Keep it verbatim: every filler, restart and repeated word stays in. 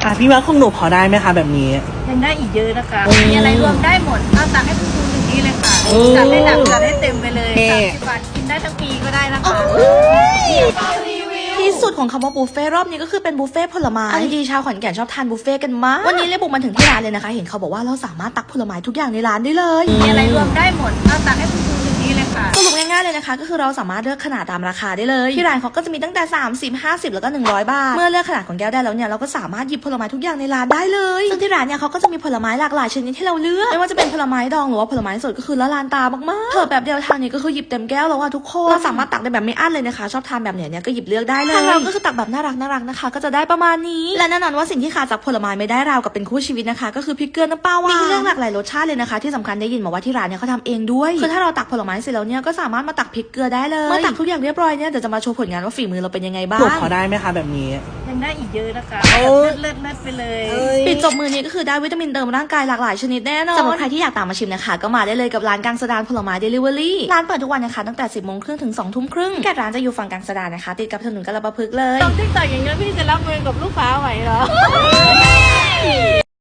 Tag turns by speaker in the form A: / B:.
A: อ่ะพี่ว่าของหนูพอได้ไหมคะแบบนี้
B: ยังได้อีกเยอะนะคะมีอะไรรวมได้หมดเอาตักให้คุณครูหนึ่งนี้เลยค่ะจัดให้หนักจัดให้เต็มไปเลยสามสิบบาทกินได้ทั้งปีก็ได้นะคะ
C: ที่สุดของคำว่าบุฟเฟ่รอบนี้ก็คือเป็นบุฟเฟ่ผลไม้ดีชาวขอนแก่นชอบทานบุฟเฟ่กันมากวันนี้เลยบุกมาถึงที่ร้านเลยนะคะเห็นเขาบอกว่าเราสามารถตักผลไม้ทุกอย่างในร้านได้เลย
B: มีอะไรรวมได้หมดเอาตักให้คุณครูหนึ่งนี้เลยค่ะ
C: สรุปง่ายๆเลยนะคะก็คือเราสามารถเลือกขนาดตามราคาได้เลยที่ร้านเขาก็จะมีตั้งแต่สามสิบ ห้าสิบแล้วก็หนึ่งร้อยบาทเมื่อเลือกขนาดของแก้วได้แล้วเนี่ยเราก็สามารถหยิบผลไม้ทุกอย่างในร้านได้เลยซึ่งที่ร้านเนี่ยเขาก็จะมีผลไม้หลากหลายชนิดให้เราเลือกไม่ว่าจะเป็นผลไม้ดองหรือว่าผลไม้สดก็คือละลานตามากๆเผิ่แบบเดียวทางนี้ก็คือหยิบเต็มแก้วแล้วว่าทุกคนเราสามารถตักได้แบบไม่อั้นเลยนะคะชอบทานแบบเนี้ยเนี่ยก็หยิบเลือกได้เลยทางเราก็คือตักแบบน่ารักน่ารักนะคะก็จะได้ประมาณนี้และแน่นอนว่าสิ่งที่ขาดจากผลไม้ไม่ได้ราวกับเป็นคู่ชีวิตนะคะก็คือพริกเกลือน้ำปลาหวานมีเรื่องหลากหลายรสชาติเลยนะคะที่สำคัญได้ยินมาว่าที่ร้านเนี่ยเขาทำเองด้วยคือถ้าเราตักผลไม้เสร็จแล้วเนี่ยก็สามารถมาตักพริกเกลือได้เลยเมื่อตักทุกอย่างเรียบร้อยเนี่ยเดี๋ยวจะมาโชว์ผลงานว่าฝีมือเราเป็นยังไงบ้าง
A: หนูพอได้ไหมคะแบบนี้
B: ยังได้อีกเยอะนะคะเลิศเลิศไปเลย
C: ปิดจบมือนี้ก็คือได้วิตามินเติมร่างกายหลากหลายชนิดแน่นอนสำหรับใครที่อยากตามมาชิมนะคะก็มาได้เลยกับร้านกังสดานผลไม้เดลิเวอรี่ร้านเปิดทุกวันนะคะตั้งแต่สิบโมงครึ่งถึงสองทุ่มครึ่งแกร้านจะอยู่ฝั่งกังสดานนะคะติดกับถนนกาฬปะพฤกษ์เลย
B: ต้องติ๊กต่ออย่างเงี้ยพี่จะรับมือกับลูกค้าไหวเหรอ